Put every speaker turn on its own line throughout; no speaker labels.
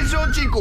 dzisiejszym odcinku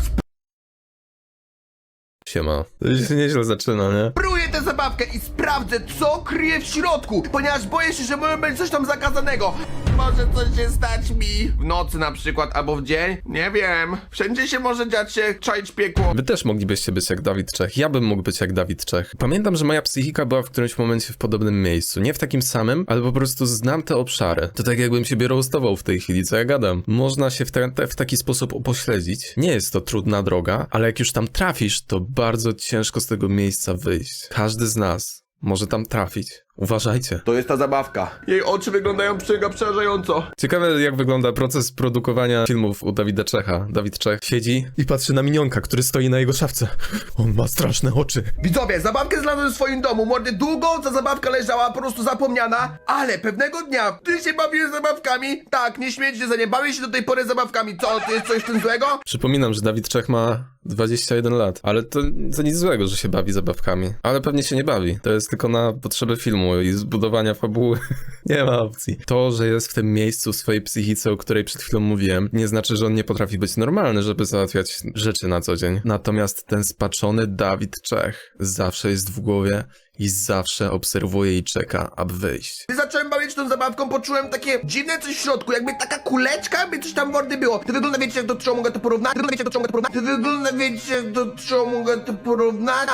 Siema. To się nieźle zaczyna, nie?
rozpruję tę zabawkę i sprawdzę, co kryje w środku, ponieważ boję się, że może być coś tam zakazanego. Może coś się stać mi w nocy na przykład, albo w dzień. Nie wiem. Wszędzie się może dziać się, czaić piekło.
Wy też moglibyście być jak Dawid Czech. Ja bym mógł być jak Dawid Czech. Pamiętam, że moja psychika była w którymś momencie w podobnym miejscu. Nie w takim samym, ale po prostu znam te obszary. To tak jakbym siebie roastował w tej chwili, co ja gadam. Można się w taki sposób upośledzić. Nie jest to trudna droga, ale jak już tam trafisz, to bardzo ciężko z tego miejsca wyjść. Każdy z nas może tam trafić. Uważajcie.
To jest ta zabawka. Jej oczy wyglądają przerażająco.
Ciekawe, jak wygląda proces produkowania filmów u Dawida Czecha. Dawid Czech siedzi i patrzy na minionka, który stoi na jego szafce. On ma straszne oczy.
Widzowie, zabawkę znalazłem w swoim domu. Mordy, długo ta zabawka leżała, po prostu zapomniana, ale pewnego dnia ty się bawisz zabawkami. Tak, nie śmiejcie za nie, bawię się do tej pory zabawkami. Co, to jest coś w tym złego?
Przypominam, że Dawid Czech ma 21 lat, ale to nic złego, że się bawi zabawkami. Ale pewnie się nie bawi. To jest tylko na potrzeby filmu i zbudowania fabuły. Nie ma opcji. To, że jest w tym miejscu w swojej psychice, o której przed chwilą mówiłem, nie znaczy, że on nie potrafi być normalny, żeby załatwiać rzeczy na co dzień. Natomiast ten spaczony Dawid Czech zawsze jest w głowie i zawsze obserwuje i czeka, aby wyjść.
Gdy zacząłem bawić tą zabawką, poczułem takie dziwne coś w środku, jakby taka kuleczka, jakby coś tam mordy było. To wygląda, wiecie, jak do czego mogę to porównać? To wygląda, wiecie, jak do czego mogę to porównać?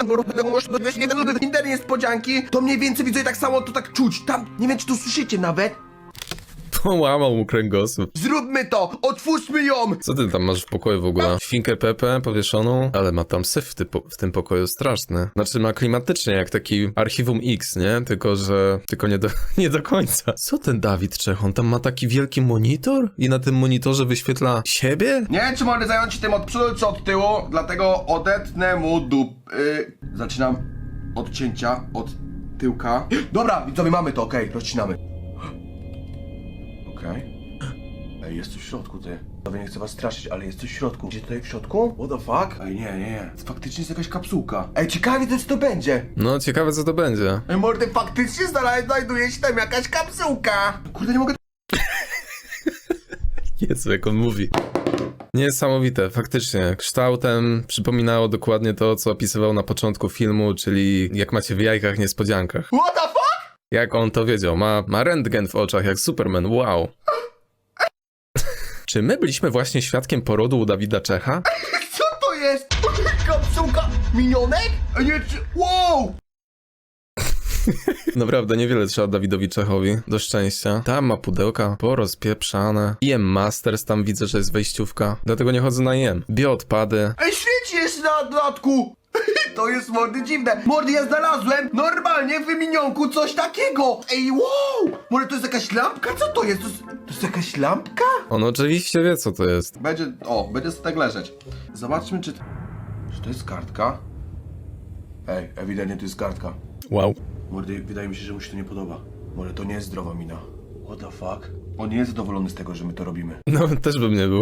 Inne niespodzianki, to mniej więcej widzę tak samo, to tak czuć. Tam, nie wiem, czy to słyszycie nawet.
Połamał mu kręgosłup.
Zróbmy to! Otwórzmy ją!
Co ty tam masz w pokoju w ogóle? Świnkę Pepę powieszoną? Ale ma tam syf w tym pokoju straszny. Znaczy ma klimatycznie jak taki Archiwum X, nie? Tylko nie do końca. Co ten Dawid Czech? On tam ma taki wielki monitor? I na tym monitorze wyświetla siebie?
Nie wiem, czy mogę zająć się tym od przodu czy od tyłu, dlatego odetnę mu Zaczynam od cięcia, od tyłka. Dobra, widzowie, mamy to, okej, rozcinamy. Okej. Ej, jest coś w środku, ty. Nie chcę was straszyć, ale jest coś w środku. Gdzie tutaj w środku? What the fuck? Ej, nie. Faktycznie jest jakaś kapsułka. Ej, ciekawie to, co to będzie.
No, ciekawe co to będzie.
Ej, mordy, faktycznie znajduje się tam jakaś kapsułka. Kurde, nie mogę...
Jezu, jak on mówi. Niesamowite, faktycznie. Kształtem przypominało dokładnie to, co opisywał na początku filmu, czyli jak macie w jajkach niespodziankach.
What the fuck?
Jak on to wiedział? Ma rentgen w oczach, jak Superman, wow. Czy my byliśmy właśnie świadkiem porodu u Dawida Czecha?
Co to jest? Kapsułka minionek? Ej, nie, wow!
Naprawdę niewiele trzeba Dawidowi Czechowi, do szczęścia. Tam ma pudełka porozpieprzane. IM Masters, tam widzę, że jest wejściówka. Dlatego nie chodzę na IM. Bioodpady.
Ej, świeci jeszcze na dodatku! To jest, mordy, dziwne. Mordy, ja znalazłem normalnie w wymienionku coś takiego. Ej, wow! Może to jest jakaś lampka? Co to jest? To jest jakaś lampka?
On oczywiście wie, co to jest.
Będzie sobie tak leżeć. Zobaczmy, czy to jest kartka. Ej, ewidentnie to jest kartka.
Wow.
Mordy, wydaje mi się, że mu się to nie podoba. Może to nie jest zdrowa mina. What the fuck? On nie jest zadowolony z tego, że my to robimy.
No, też bym nie był.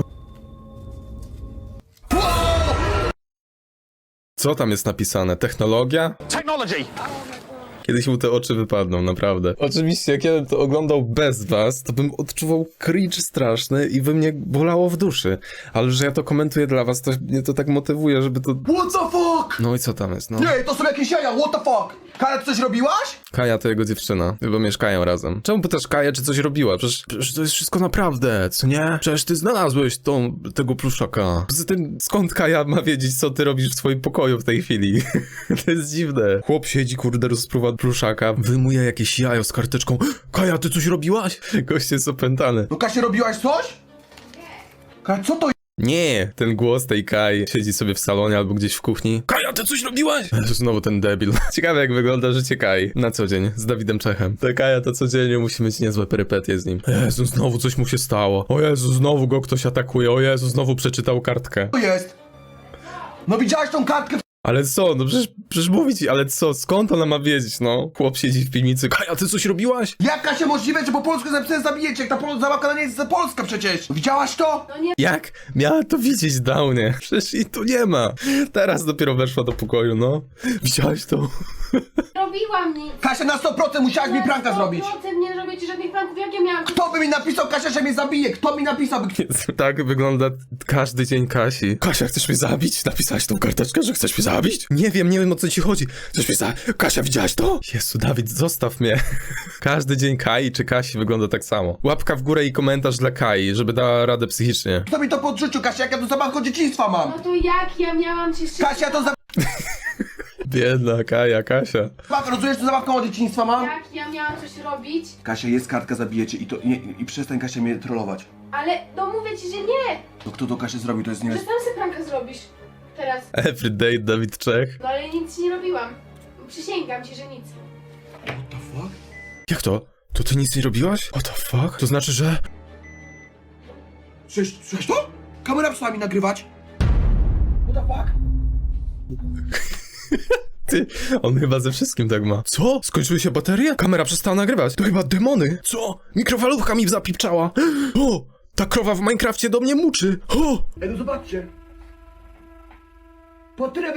Co tam jest napisane? Technologia?
Technology!
Kiedyś mu te oczy wypadną, naprawdę. Oczywiście, jak ja bym to oglądał bez was, to bym odczuwał cringe straszny i by mnie bolało w duszy. Ale że ja to komentuję dla was, to mnie to tak motywuje, żeby to...
What the fuck?
No i co tam jest, no?
Nie, to są jakieś jaja, what the fuck? Kaja, ty coś robiłaś?
Kaja to jego dziewczyna, chyba mieszkają razem. Czemu pytasz Kaję, czy coś robiła? Przecież to jest wszystko naprawdę, co nie? Przecież ty znalazłeś tego pluszaka. Poza tym, skąd Kaja ma wiedzieć, co ty robisz w swoim pokoju w tej chwili? To jest dziwne. Chłop siedzi, kurde, rozpruwa pluszaka, wyjmuje jakieś jajo z karteczką. Kaja, ty coś robiłaś? Gość jest opętany.
No Kasia, robiłaś coś? Kaja, co to
Nie, ten głos tej Kai siedzi sobie w salonie albo gdzieś w kuchni. Kaja, ty coś robiłaś? Znowu ten debil. Ciekawe, jak wygląda życie Kai na co dzień z Dawidem Czechem. Ta Kaja to codziennie musi mieć niezłe perypetie z nim. Jezu, znowu coś mu się stało. O Jezu, znowu go ktoś atakuje. O Jezu, znowu przeczytał kartkę.
jest? No widziałaś tą kartkę?
Ale co, no przecież mówi ci, ale co, skąd ona ma wiedzieć, no? Chłop siedzi w piwnicy, Kaja, ty coś robiłaś?
Jak Kasia możliwe, że po polsku napisałem zabijecie, jak ta zabawka nie jest za Polska przecież? Widziałaś to?
No nie,
Jak miała to widzieć, Downie? Przecież jej tu nie ma. Teraz dopiero weszła do pokoju, no. Widziałaś to?
robiłam nic.
Kasia, na 100% musiałaś mi pranka zrobić.
100% nie robię ci żadnych pranków, jak ja miałam.
Kto by mi napisał, Kasia, że mnie zabije? Kto mi napisał?
Jezu, tak wygląda każdy dzień Kasi. Kasia, chcesz mnie zabić? Napisałaś tą karteczkę, że chcesz mnie zabić? Nie wiem o co ci chodzi. Chcesz mnie zabić? Kasia, widziałaś to? Jezu, Dawid, zostaw mnie. Każdy dzień Kai czy Kasi wygląda tak samo. Łapka w górę i komentarz dla Kai, żeby dała radę psychicznie.
Kto mi to podrzucił, Kasia, jak ja tu zabawkę dzieciństwa mam?
No to jak ja miałam cię szybko?
Kasia, to
Biedna Kaja, Kasia.
zabawka, rozumiesz, to zabawkę od dzieciństwa mam?
Jak ja miałam coś robić?
Kasia, jest kartka, zabijecie i przestań, Kasia, mnie trollować.
Ale no mówię ci, że nie.
To kto to Kasia zrobił, to jest nie...
Że sam sobie pranka zrobisz. Teraz.
Everyday Dawid Czech.
No ale nic ci nie robiłam. Przysięgam ci, że nic.
What the fuck?
Jak to? To ty nic nie robiłaś? What the fuck? To znaczy, że...
Słyszałeś to? Kamera przestała mi nagrywać. What the fuck?
Ty, on chyba ze wszystkim tak ma. Co? Skończyły się baterie? Kamera przestała nagrywać. To chyba demony. Co? Mikrofalówka mi zapipczała. O! Ta krowa w Minecrafcie do mnie muczy. O!
Ej, no zobaczcie. Bateria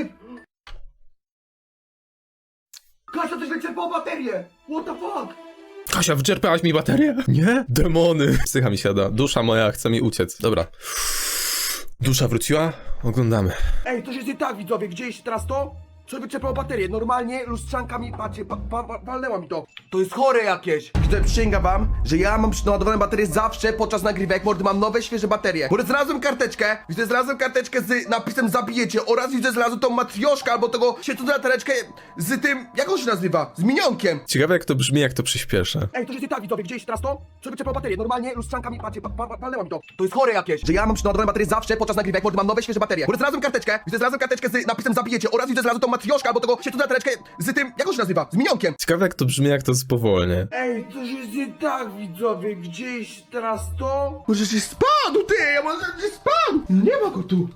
Kasia, coś wyczerpało baterię. What the fuck?
Kasia, wyczerpałaś mi baterię? Nie? Demony. Psycha mi siada. Dusza moja chce mi uciec. Dobra. Dusza wróciła? Oglądamy.
Ej, coś jest nie tak, widzowie. Gdzie jest teraz to? Co wyczerpało baterię? Normalnie lustrzanka mi, patrzcie, walnęła mi to. To jest chore jakieś. Widzę, przysięgam wam, że ja mam naładowane baterie zawsze podczas nagrywek, mordy, mam nowe, świeże baterie. Bo znalazłem karteczkę z napisem zabijecie oraz widzę, znalazłem tą matrioszkę albo tego świecącą latareczkę z tym, jak on się nazywa? Z minionkiem.
Ciekawe jak to brzmi, jak to przyspieszę.
Ej, to jest nie tak, widzowie, gdzie jest teraz to? Co wyczerpało baterię? Normalnie lustrzanka mi, patrzcie, walnęła mi to. To jest chore jakieś. Że ja mam naładowane baterie zawsze podczas nagrywek, mordy, mam nowe, świeże baterie. Bo znalazłem karteczkę z napisem zabijecie oraz widzę, znalazłem tą matrioszkę albo tego świecącą latareczkę z tym, jak on się nazywa? Z minionkiem.
Ciekawe jak to brzmi, jak to spowolnie.
Ej, coś jest nie tak, widzowie, gdzieś teraz to? Może się spadł, ty, może się spadł! Nie ma go tu.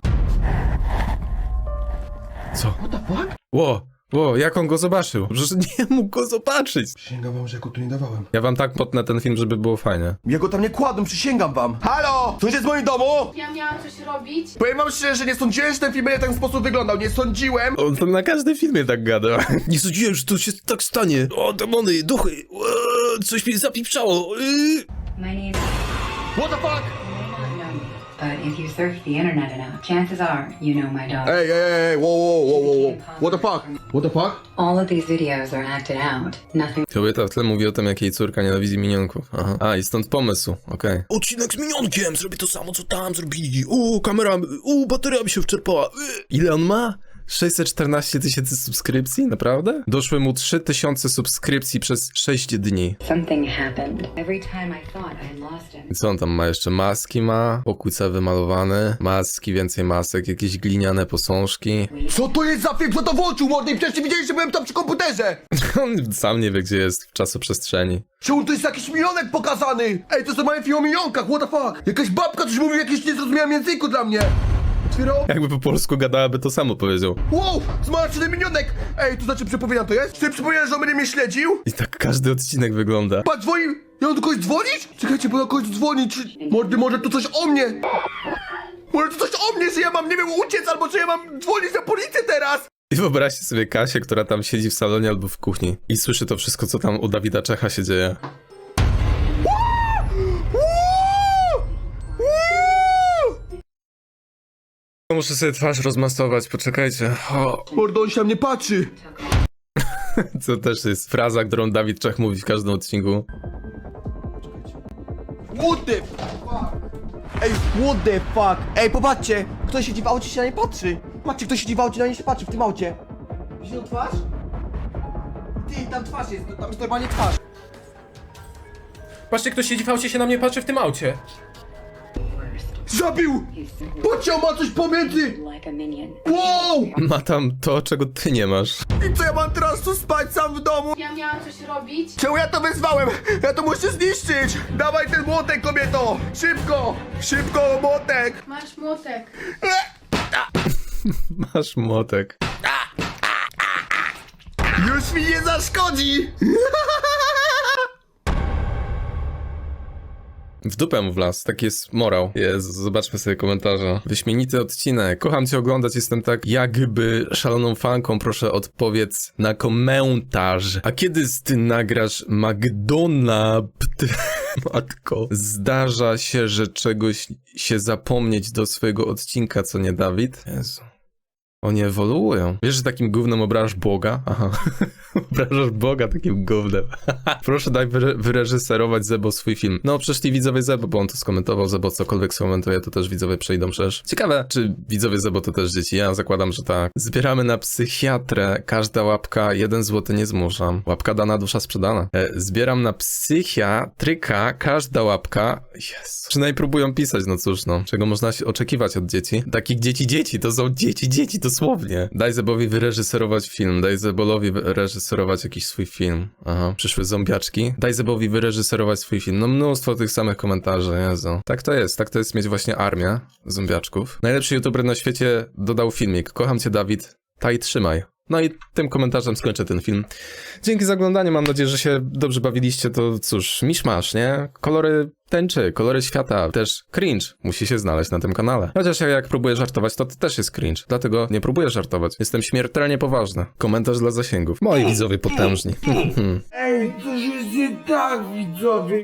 Co?
What the fuck?
Ło, jak on go zobaczył? Przecież nie mógł go zobaczyć.
Przysięgam wam, że ja go tu nie dawałem.
Ja wam tak potnę ten film, żeby było fajnie.
Ja go tam nie kładłem, przysięgam wam. Halo! Ktoś jest w moim domu?
Ja miałam coś robić.
Powiem wam szczerze, że nie sądziłem, że ten film będzie w ten sposób wyglądał. Nie sądziłem.
On to na każdym filmie tak gada. Nie sądziłem, że to się tak stanie. O, demony, duchy. Coś mi zapipczało.
My name
What the fuck?
may not know me, but if you search the internet enough, chances are you know my dog.
Ej, wow. What the fuck? What the fuck?
All of these videos are acted out. Nothing
Kobieta w tle mówi o tym, jak jej córka nienawidzi minionków. Aha. A, i stąd pomysł, okej. Odcinek z minionkiem, zrobię to samo, co tam zrobili. Kamera, bateria mi się wczerpała. Ile on ma? 614 000 subskrypcji? Naprawdę? Doszły mu 3000 subskrypcji przez 6 dni.
something happened. Every time I thought I lost him.
I co on tam ma jeszcze? Maski ma, pokój cały wymalowany, maski, więcej masek, jakieś gliniane posążki.
Co to jest za film? Kto to włączył, mordy? Przecież widzieliście, że byłem tam przy komputerze.
On sam nie wie, gdzie jest w czasoprzestrzeni.
Czemu to jest jakiś minionek pokazany? Ej, to jest normalnie film o minionkach, what the fuck? Jakaś babka coś mówi w jakimś niezrozumiałym języku dla mnie. Otwierał?
Jakby po polsku gadałaby, to samo powiedział.
Wow, zmarszczony minionek! Ej, to znaczy przepowiednia to jest? Czy przypominam, że on będzie mnie śledził?
I tak każdy odcinek wygląda.
Patrz, dzwoni! Ja mam do kogoś dzwonić? Czekajcie, bo ja kogoś dzwoni, czy... Mordy, może to coś o mnie? Może to coś o mnie, że ja mam, nie wiem, uciec, albo że ja mam dzwonić na policję teraz?
I wyobraźcie sobie Kasię, która tam siedzi w salonie albo w kuchni i słyszy to wszystko, co tam u Dawida Czecha się dzieje. Muszę sobie twarz rozmastować, poczekajcie. O,
Mordo, on się na mnie patrzy.
co też jest fraza, którą Dawid Czech mówi w każdym odcinku.
What the fuck? Ej, what the fuck? Ej, popatrzcie! Ktoś siedzi w aucie, się na nie patrzy. Patrzcie, ktoś siedzi w aucie, na nie się patrzy, w tym aucie. Widzisz tą twarz? Ty, tam twarz jest, tam jest normalnie twarz.
Patrzcie, ktoś siedzi w aucie, się na mnie patrzy w tym aucie.
Zabił!
He's simply
Patrzcie, on ma coś pomiędzy!
like a minion.
Wow!
Ma tam to, czego ty nie masz.
I co, ja mam teraz tu spać sam w domu?
Ja miałam coś robić.
Czemu ja to wyzwałem? Ja to muszę zniszczyć! Dawaj ten młotek, kobieto! Szybko! Szybko, młotek!
Masz młotek.
Masz młotek.
Już mi nie zaszkodzi!
W dupę mu wlazł, taki jest morał. Jezu, zobaczmy sobie komentarze. Wyśmienity odcinek. Kocham cię oglądać, jestem tak jakby szaloną fanką. Proszę odpowiedz na komentarz. A kiedy ty nagrasz McDonald's? Matko. Zdarza się, że czegoś się zapomnieć do swojego odcinka, co nie, Dawid? Jezu. Oni ewoluują. Wiesz, że takim gównem obrażasz Boga? Aha. Obrażasz Boga takim gównem. Proszę daj wyreżyserować Zebo swój film. No, przyszli widzowie Zebo, bo on to skomentował. Zebo cokolwiek skomentuje, to też widzowie przejdą przecież. Ciekawe, czy widzowie Zebo to też dzieci? Ja zakładam, że tak. Zbieramy na psychiatrę. Każda łapka 1 zł nie zmuszam. Łapka dana, dusza sprzedana. Zbieram na psychiatryka. Każda łapka... Jezu. Przynajmniej próbują pisać, no cóż, no. Czego można się oczekiwać od dzieci? Takich dzieci, to są dzieci, dosłownie. Daj Zebowi wyreżyserować film. Daj Zebolowi wyreżyserować jakiś swój film. Aha. Przyszły zombiaczki. Daj Zebowi wyreżyserować swój film. No mnóstwo tych samych komentarzy, Jezu. Tak to jest mieć właśnie armię zombiaczków. Najlepszy youtuber na świecie dodał filmik. Kocham cię, Dawid. Taj, trzymaj. No i tym komentarzem skończę ten film. Dzięki za oglądanie, mam nadzieję, że się dobrze bawiliście. To cóż, miszmasz, nie? Kolory tęczy, kolory świata, też cringe musi się znaleźć na tym kanale. Chociaż jak próbuję żartować, to też jest cringe. Dlatego nie próbuję żartować. Jestem śmiertelnie poważny. Komentarz dla zasięgów. Moi widzowie potężni.
Ej, coś jest nie tak, widzowie.